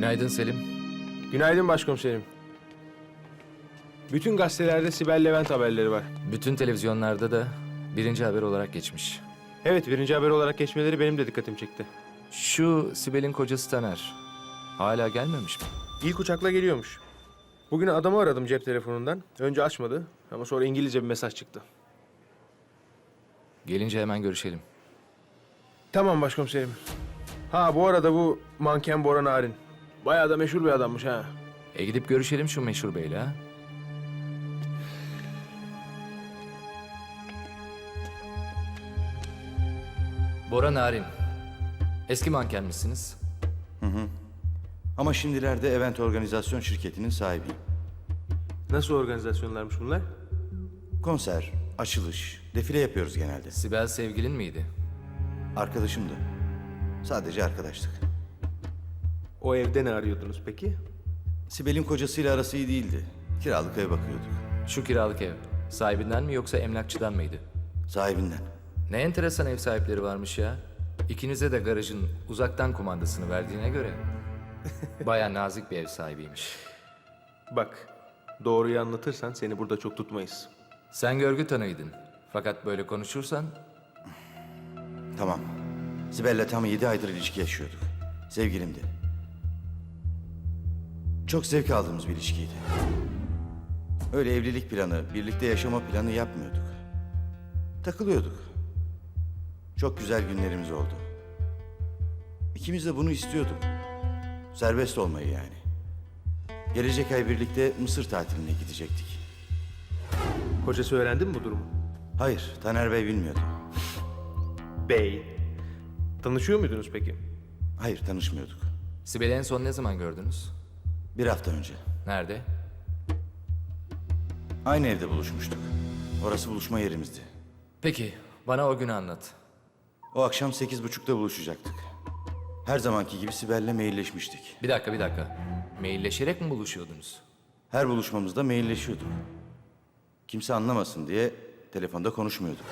Günaydın Selim. Günaydın başkomiserim. Bütün gazetelerde Sibel Levent haberleri var. Bütün televizyonlarda da birinci haber olarak geçmiş. Evet, birinci haber olarak geçmeleri benim de dikkatimi çekti. Şu Sibel'in kocası Taner. Hala gelmemiş mi? İlk uçakla geliyormuş. Bugün adamı aradım cep telefonundan. Önce açmadı ama sonra İngilizce bir mesaj çıktı. Gelince hemen görüşelim. Tamam başkomiserim. Ha bu arada bu manken Bora Narin. Bayağı da meşhur bir adammış ha. Gidip görüşelim şu meşhur beyle ha. Bora Narin. Eski manken misiniz? Ama şimdilerde event organizasyon şirketinin sahibiyim. Nasıl organizasyonlarmış bunlar? Konser, açılış, defile yapıyoruz genelde. Sibel sevgilin miydi? Arkadaşımdı. Sadece arkadaştık. O evde ne arıyordunuz peki? Sibel'in kocasıyla arası iyi değildi. Kiralık ev bakıyorduk. Şu kiralık ev. Sahibinden mi yoksa emlakçıdan mıydı? Sahibinden. Ne enteresan ev sahipleri varmış ya. İkinize de garajın uzaktan kumandasını verdiğine göre. Baya nazik bir ev sahibiymiş. Bak, doğruyu anlatırsan seni burada çok tutmayız. Sen görgü tanıydın. Fakat böyle konuşursan Tamam. Sibel'le tam 7 aydır ilişki yaşıyorduk. Sevgilimdi. Çok zevk aldığımız bir ilişkiydi. Öyle evlilik planı, birlikte yaşama planı yapmıyorduk. Takılıyorduk. Çok güzel günlerimiz oldu. İkimiz de bunu istiyorduk. Serbest olmayı yani. Gelecek ay birlikte Mısır tatiline gidecektik. Kocası öğrendi mi bu durumu? Hayır, Taner Bey bilmiyordu. Bey. Tanışıyor muydunuz peki? Hayır, tanışmıyorduk. Sibel'i en son ne zaman gördünüz? 1 hafta önce. Nerede? Aynı evde buluşmuştuk. Orası buluşma yerimizdi. Peki, bana o günü anlat. O akşam 8.30'da buluşacaktık. Her zamanki gibi Sibel'le mailleşmiştik. Bir dakika. Mailleşerek mi buluşuyordunuz? Her buluşmamızda mailleşiyorduk. Kimse anlamasın diye telefonda konuşmuyorduk.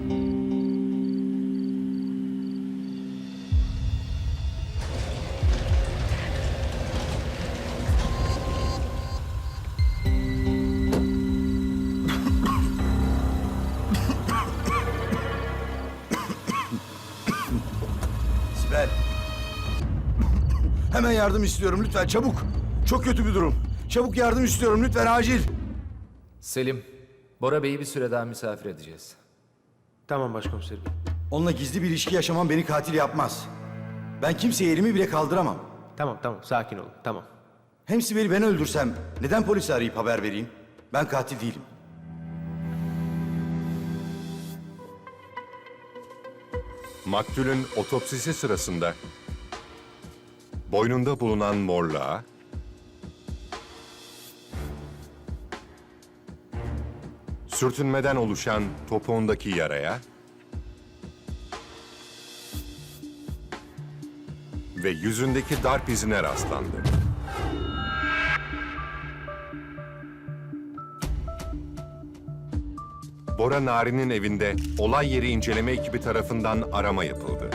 Sibel. Hemen yardım istiyorum lütfen çabuk. Çok kötü bir durum. Çabuk yardım istiyorum lütfen acil. Selim, Bora Bey'i bir süre daha misafir edeceğiz. Tamam başkomiserim. Onunla gizli bir ilişki yaşamam beni katil yapmaz. Ben kimseye elimi bile kaldıramam. Tamam, sakin olun, tamam. Hem Sibel'i ben öldürsem neden polisi arayıp haber vereyim? Ben katil değilim. Maktulün otopsisi sırasında boynunda bulunan morluğa, sürtünmeden oluşan topuğundaki yaraya ve yüzündeki darp izine rastlandı. Bora Narin'in evinde olay yeri inceleme ekibi tarafından arama yapıldı.